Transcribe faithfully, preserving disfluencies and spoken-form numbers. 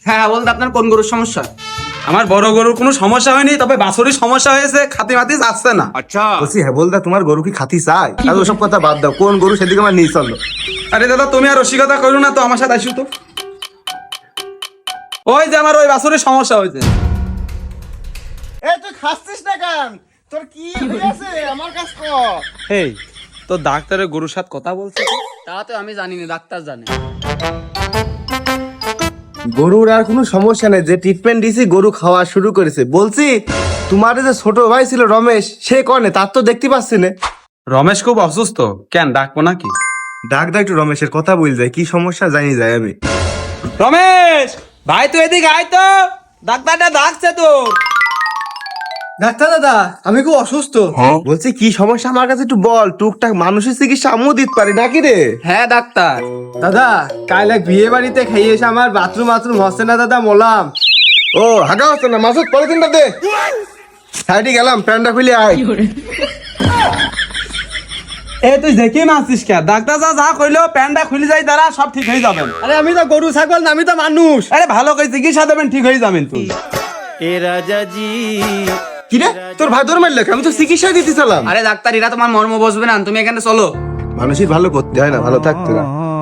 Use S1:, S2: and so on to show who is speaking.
S1: হ্যাঁ বলতে আপনার কোন গরুর সমস্যা?
S2: আমার বড় গরুর কোনো সমস্যা হয়নি, তবে বাছুরের সমস্যা হয়েছে, খাতি মাতি যাচ্ছে না।
S1: আচ্ছা
S3: বলছি হ্যাঁ বলদা, তোমার গরু কি খাতি চাই? আর ওসব কথা বাদ দাও, কোন গরু সেদিকে আমার নিয়ে চলো।
S2: আরে দাদা তুমি আর রসিকতা করো না তো, আমার সাথে আসো তো। ওই যে আমার ওই বাছুরের সমস্যা হয়েছে।
S3: এই তুই খাচ্ছিস না কেন? তোর কি হয়েছে আমার কাছে কর।
S2: এই তো ডাক্তারের গরুর সাথে কথা বলছে।
S1: তা তো আমি জানি না, ডাক্তার জানে।
S3: গরুর আর কোনো সমস্যা নেই, যে ট্রিটমেন্ট দিছি গরু খাওয়া শুরু করেছে। বলছি তোমার যে ছোট ভাই ছিল রমেশ, সে কনে? তার তো দেখতে পাচ্ছি না।
S2: রমেশ খুব অসুস্থ, কেন ডাকবো নাকি?
S3: ডাক ডাক একটু, রমেশের কথা বল যায়, কি সমস্যা জানি যায় আমি।
S2: রমেশ ভাই তুই এদিকে আয় তো, ডাক্তারটা ডাকছে তোর।
S3: ডাক্তার দাদা, আমি খুব অসুস্থ। বলছি কি সমস্যা আমার কাছে একটু বল, টুকটাক মানুষের চিকিৎসা আমিও দিতে পারি নাকি রে?
S1: হ্যাঁ ডাক্তার।
S4: দাদা কাল এক বিয়ে বাড়িতে খাইয়ে এসে আমার বাথরুম বাথরুম হচ্ছে না দাদা, মলাম।
S3: ও হাগা হচ্ছে না, মাসুদ পলিথিনটা দে। সাইডে গেলাম, প্যান্টটা খুলে আয়।
S2: এ তুই দেখি মারছিস কে? ডাক্তার যা যা কইলো প্যান্টটা খুলে যাই, তারা সব ঠিক হয়ে যাবেন।
S4: আরে আমি তো গরু ছাগল না, আমি তো মানুষ।
S2: আরে ভালো করে চিকিৎসা দেবেন, ঠিক হয়ে যাবেন তুই।
S3: কি রে তোর ভাই তোর মারলে? আমি তো চিকিৎসা দিতে চালাম।
S1: আরে ডাক্তার এরা তোমার মর্ম বসবে না, তুমি এখানে চলো।
S3: মানুষের ভালো করতে হয় না, ভালো থাকতে না।